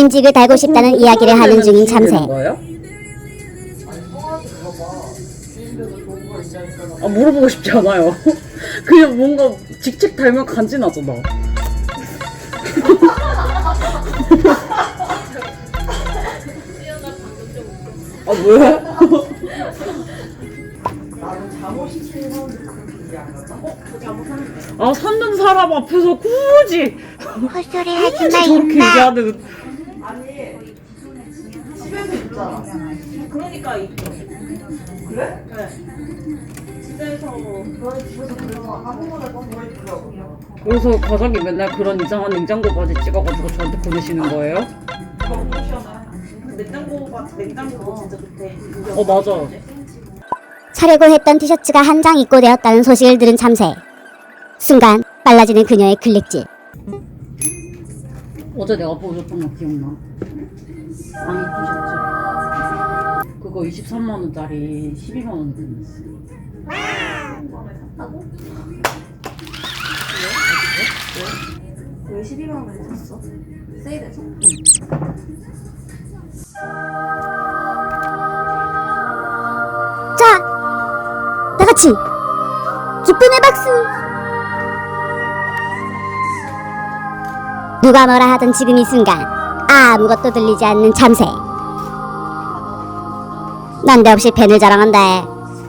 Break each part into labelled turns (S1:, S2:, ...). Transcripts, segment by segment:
S1: 인직을 달고 싶다는 이야기를 하는 중인 참새.
S2: 아, 물어보고 싶지 않아요. 그냥 뭔가 직책 달면 간지나잖아. 아, 왜? 아, 찾는 사람 앞에서 굳이
S1: 헛소리 하지 마,
S2: 저렇게
S1: 임마.
S2: 얘기하는.
S3: 집에서 있잖아. 그러니까 있죠. 그래? 네. 집에서 너희 집에서 그래서 아무거나 보내주려고.
S2: 그래서 가족이 맨날 그런 이상한 냉장고 바지 찍어가지고 저한테 보내시는 거예요?
S3: 너무 시원해. 냉장고가 진짜 좋대.
S2: 어, 맞아.
S1: 사려고 했던 티셔츠가 한 장 입고되었다는 소식을 들은 참새. 순간 빨라지는 그녀의 클릭질.
S2: 어제 내가 보여줬던 거 기억나? 아니, 티셔츠. 그거 23만원짜리 12만원 들었어.
S3: 왜 12만 원에 샀어? 세일해서?
S1: 자, 다같이 기쁨의 박수. 누가 뭐라 하던 지금 이 순간 아무것도 들리지 않는 참새. 난데없이 팬을 자랑한다.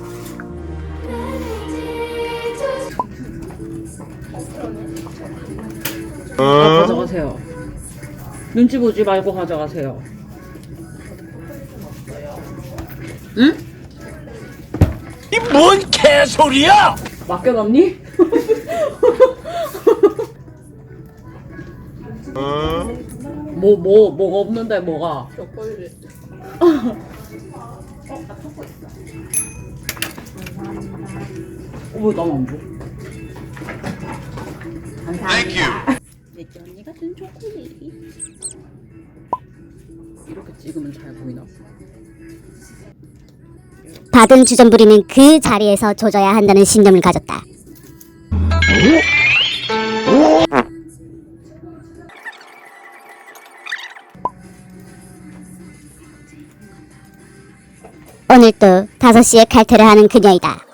S2: 아, 가져가세요. 눈치 보지 말고 가져가세요. 응?
S4: 이 뭔 개소리야!
S2: 맡겨놨니? 뭐가 없는데, 뭐가? 왜 나만 안 줘? 감사합니다. 내게 언니가 준 초콜릿. 이렇게 찍으면 잘 보이나?
S1: 받은 주전부리는 그 자리에서 조져야 한다는 신념을 가졌다. 오늘 또 5시에 칼퇴를 하는 그녀이다.